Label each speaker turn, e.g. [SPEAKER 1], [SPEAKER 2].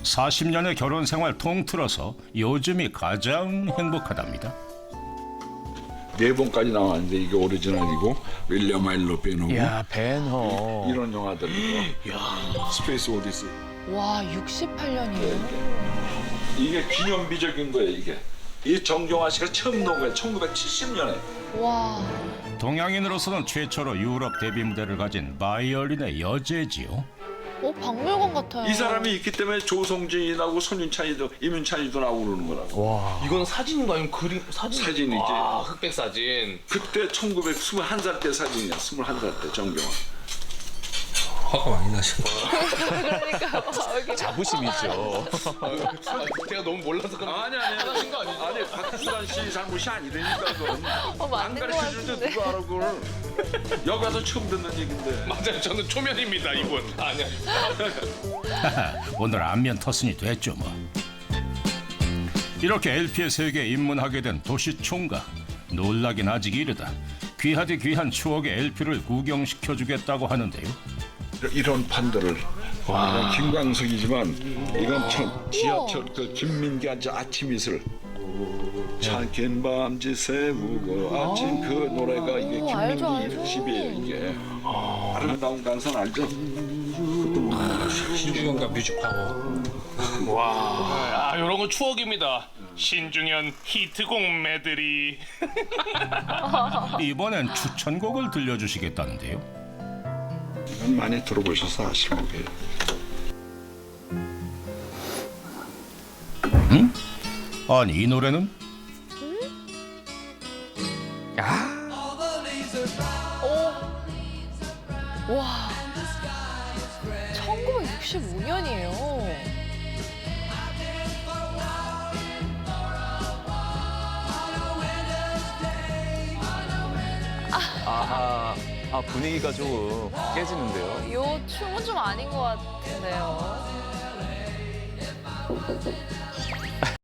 [SPEAKER 1] 40년의 결혼 생활 통틀어서 요즘이 가장 행복하답니다.
[SPEAKER 2] 4번까지 나왔는데 이게 오리지널이고 윌리엄 아일로 빼놓고
[SPEAKER 3] 야, 벤허.
[SPEAKER 2] 이런 영화들 이거 스페이스 오디시
[SPEAKER 4] 와, 68년이에요.
[SPEAKER 2] 이게 기념비적인 거예요. 이게 이 정경화 씨가 처음 놓은 거예요. 1970년에.
[SPEAKER 4] 와,
[SPEAKER 1] 동양인으로서는 최초로 유럽 데뷔 무대를 가진 바이올린의 여제지요.
[SPEAKER 4] 박물관 같아요.
[SPEAKER 2] 이 사람이 있기 때문에 조성진하고 손윤찬이도 이문찬이도 나오고 그러는 거라고.
[SPEAKER 3] 와.
[SPEAKER 5] 이건 사진인가 아니면 그림
[SPEAKER 2] 사진이지.
[SPEAKER 5] 와, 흑백 사진.
[SPEAKER 2] 그때 1921살 때 사진이야. 21살 때 정경화.
[SPEAKER 5] 화가 많이 나시네.
[SPEAKER 3] 자부심이죠.
[SPEAKER 5] 제가 너무 몰라서 그런
[SPEAKER 2] 아니
[SPEAKER 5] 하신 거 아니죠?
[SPEAKER 2] 아니 박수란 씨 잘못이 아니라니까 그건. 안
[SPEAKER 4] 맞는 것
[SPEAKER 2] 가르쳐주는데
[SPEAKER 4] 같은데.
[SPEAKER 2] 누가 알아 그걸. 여기 가서 처음 듣는 얘긴데.
[SPEAKER 5] 맞아요. 저는 초면입니다, 이분. 아니야.
[SPEAKER 1] 오늘 안면 터슨이 됐죠 뭐. 이렇게 LP의 세계에 입문하게 된 도시 총각. 놀라긴 아직 이르다. 귀하디 귀한 추억의 LP를 구경시켜주겠다고 하는데요.
[SPEAKER 2] 이런 판들을 김광석이지만 이건 지하철 그 김민기 아침 이슬 찬긴 밤지 새우고 아침 그 노래가 이게
[SPEAKER 4] 알죠,
[SPEAKER 2] 김민기
[SPEAKER 4] 알죠.
[SPEAKER 2] 집이에요 이게 아름다운 강산 알죠?
[SPEAKER 5] 신중현과 뮤직파워. 와, 아, 이런 거 추억입니다. 신중현 히트곡 메들리.
[SPEAKER 1] 이번엔 추천곡을 들려주시겠다는데요.
[SPEAKER 2] 이건 많이 들어보셔서 아실 거예요.
[SPEAKER 1] 아니 이 노래는
[SPEAKER 4] 와, 1965년이에요.
[SPEAKER 3] 아하. 아, 분위기가 조금 깨지는데요.
[SPEAKER 4] 요 춤은 좀 아닌 것 같은데요.